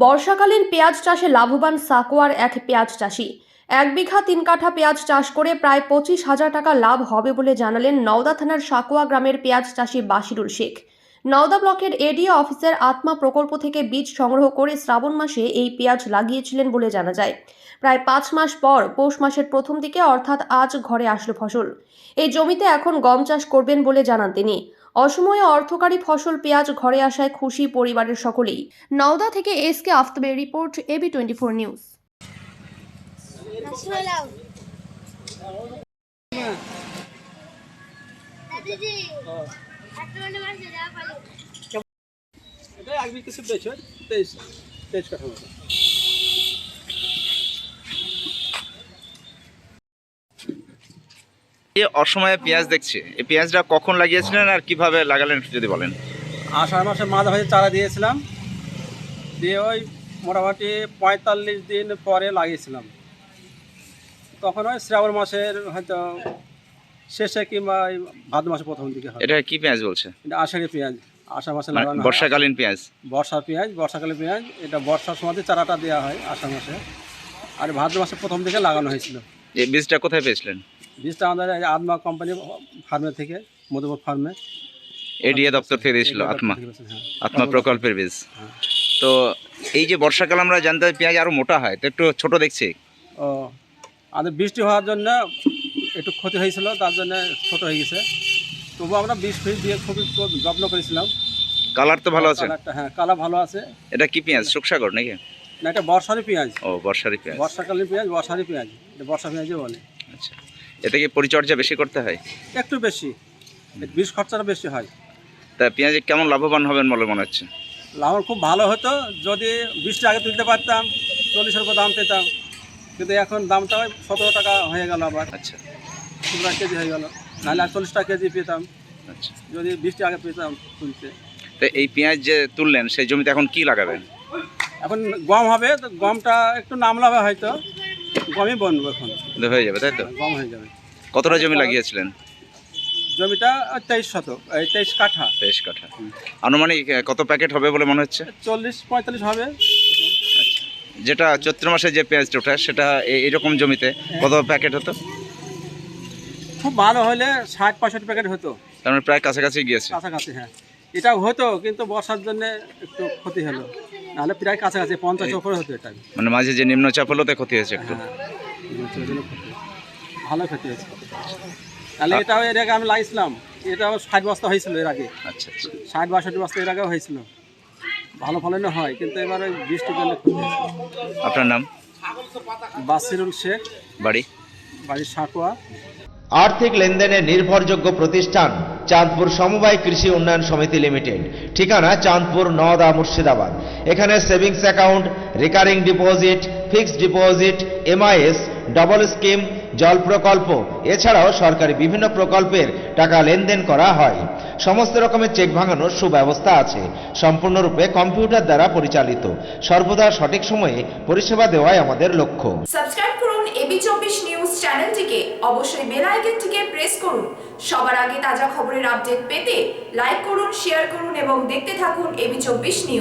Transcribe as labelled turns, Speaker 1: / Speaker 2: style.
Speaker 1: বর্ষাকালীন পেঁয়াজ চাষে লাভবান সাকোয়ার এক পেঁয়াজ চাষি। 1 বিঘা 3 কাঠা পেঁয়াজ চাষ করে প্রায় 25,000 টাকা লাভ হবে বলে জানালেন নওদা থানার সাকোয়া গ্রামের পেঁয়াজ চাষি বাশিরুল শেখ। নওদা ব্লকের এডিও অফিসের আত্মা প্রকল্প থেকে বীজ সংগ্রহ করে শ্রাবণ মাসে এই পেঁয়াজ লাগিয়েছিলেন বলে জানা যায়। প্রায় 5 মাস পর পৌষ মাসের প্রথম দিকে অর্থাৎ আজ ঘরে আসলো ফসল। এই জমিতে এখন গম চাষ করবেন বলে জানান তিনি। অসময়ে অর্থকারী ফসল পেঁয়াজ ঘরে আসায় খুশি পরিবারের সকলেই। নওদা থেকে এসকে আফতাবের রিপোর্ট, AB24 নিউজ।
Speaker 2: এই অসময়ে পেঁয়াজ দেখছি, এই পেঁয়াজটা কখন লাগিয়েছিলেন আর কিভাবে লাগালেন যদি বলেন।
Speaker 3: আষাঢ় মাসে মাঝামাঝি চারা দিয়েছিলাম, দিয়ে ওই মোটামুটি 45 দিন পরে লাগিয়েছিলাম। তখন ওই শ্রাবণ মাসের হয়তো শেষে কিংবা ভাদ্র মাসের প্রথম দিকে হয়।
Speaker 2: এটা কি পেঁয়াজ বলছে?
Speaker 3: এটা আষাঢ়ি পেঁয়াজ, আষাঢ় মাসে লাগানো হয়।
Speaker 2: বর্ষাকালীন পেঁয়াজ,
Speaker 3: বর্ষাকালীন পেঁয়াজ। এটা বর্ষার সময় চারাটা দেওয়া হয় আষাঢ় মাসে, আর ভাদ্র মাসের প্রথম দিকে লাগানো হয়েছিল।
Speaker 2: এই বীজটা কোথায় পেয়েছিলেন?
Speaker 3: বীজটা আমাদের আত্মা কোম্পানি ফার্মে থেকে, মধুপুর ফার্মে,
Speaker 2: এডিএ দপ্তর থেকে দিয়েছিল। আত্মা
Speaker 3: হ্যাঁ,
Speaker 2: আত্মা প্রকল্পের বীজ। তো এই যে বর্ষাকাল আমরা জানতে পারি পেঁয়াজ আরো মোটা হয়, তো একটু ছোট দেখছি।
Speaker 3: ও আমাদের বৃষ্টি হওয়ার জন্য একটু ক্ষতি হয়েছিল, তার জন্য ছোট হয়ে গেছে। তবু আমরা বীজ দিয়ে খুবই যত্ন করেছিলাম।
Speaker 2: কালার তো ভালো আছে।
Speaker 3: হ্যাঁ, কালার ভালো আছে।
Speaker 2: এটা কি পেঁয়াজ, সুখসাগর নাকি?
Speaker 3: না, এটা বর্ষারি পেঁয়াজ।
Speaker 2: ও, বর্ষারি পেঁয়াজ,
Speaker 3: বর্ষাকালীন পেঁয়াজ, বর্ষারি পেঁয়াজ, এটা বর্ষা পেঁয়াজই বলে।
Speaker 2: আচ্ছা, এতে কি পরিচর্যা বেশি করতে হয়?
Speaker 3: একটু বেশি, বীজ খরচাটা বেশি হয়।
Speaker 2: তা পেঁয়াজে কেমন লাভবান হবেন বলে মনে হচ্ছে?
Speaker 3: লাভ খুব ভালো হতো যদি বীজটা আগে তুলতে পারতাম, 40-এর উপর দাম পেতাম। কিন্তু এখন দামটা 17 টাকা হয়ে গেল, আবার
Speaker 2: আচ্ছা
Speaker 3: 17 টাকা কেজি হয়ে গেল। নাহলে 40 টাকা কেজি পেতাম
Speaker 2: আচ্ছা।
Speaker 3: যদি বীজটা আগে পেতাম তুলতে।
Speaker 2: তো এই পেঁয়াজ যে তুললেন সেই জমিতে এখন কি লাগাবেন?
Speaker 3: এখন গম হবে, তো গমটা একটু নামলাবে, হয়তো গমই বনবো এখন।
Speaker 2: হয়ে যাবে তাই তো?
Speaker 3: গম হয়ে যাবে।
Speaker 2: কতটা জমি লাগিয়েছিলেন?
Speaker 3: জমিটা 23 শতক, 23 কাঠা।
Speaker 2: 23 কাঠা। আনুমানিক কত প্যাকেট হবে বলে মনে হচ্ছে?
Speaker 3: 40-45 হবে।
Speaker 2: আচ্ছা, যেটা চৈত্র মাসে যে পেঁয়াজটা ওঠে সেটা এইরকম জমিতে কত প্যাকেট হতো?
Speaker 3: খুব ভালো হলে 60-65 প্যাকেট হতো।
Speaker 2: তার মানে প্রায় কাছাকাছি গিয়েছে।
Speaker 3: কাছাকাছি, হ্যাঁ। এটাও হতো, কিন্তু বর্ষার জন্য একটু ক্ষতি হলো, নাহলে প্রায় কাছাকাছি 50 উপরে হতো। এটা
Speaker 2: মানে মাঝে যে নিম্নচাপ হলো তাই ক্ষতি হয়েছে একটু।
Speaker 3: হ্যাঁ, ভালো ক্ষতি হয়েছে। তাহলে এটাও এর আগে আমি লাগিয়েছিলাম, এটাও 60 বস্তা হয়েছিল এর আগে।
Speaker 2: আচ্ছা আচ্ছা।
Speaker 3: 60-62 বস্তা এর আগেও হয়েছিল, ভালো ফলনও হয়, কিন্তু এবার ওই বৃষ্টির জন্য ক্ষতি হয়েছে।
Speaker 2: আপনার নাম?
Speaker 3: বাশিরুল শেখ, বাড়ি সাকোয়া।
Speaker 4: আর্থিক লেনদেনের নির্ভরযোগ্য প্রতিষ্ঠান চাঁদপুর সমবায় কৃষি উন্নয়ন সমিতি লিমিটেড। ঠিকানা চাঁদপুর, নওদা, মুর্শিদাবাদ। এখানে savings account, recurring deposit, fixed deposit, MIS, double scheme, জল প্রকল্প, এছাড়াও সরকারি বিভিন্ন প্রকল্পের টাকা লেনদেন করা হয়। সমস্ত রকমের চেক ভাঙানোর সুব্যবস্থা আছে। সম্পূর্ণরূপে কম্পিউটার দ্বারা পরিচালিত। সর্বদা সঠিক সময়ে পরিষেবা দেওয়াই আমাদের লক্ষ্য।
Speaker 5: সাবস্ক্রাইব করুন AB24 নিউজ চ্যানেলটিকে, অবশ্যই বেল আইকনটিকে প্রেস করুন। সবার আগে তাজা খবরের আপডেট পেতে লাইক করুন, শেয়ার করুন এবং দেখতে থাকুন AB24 নিউজ।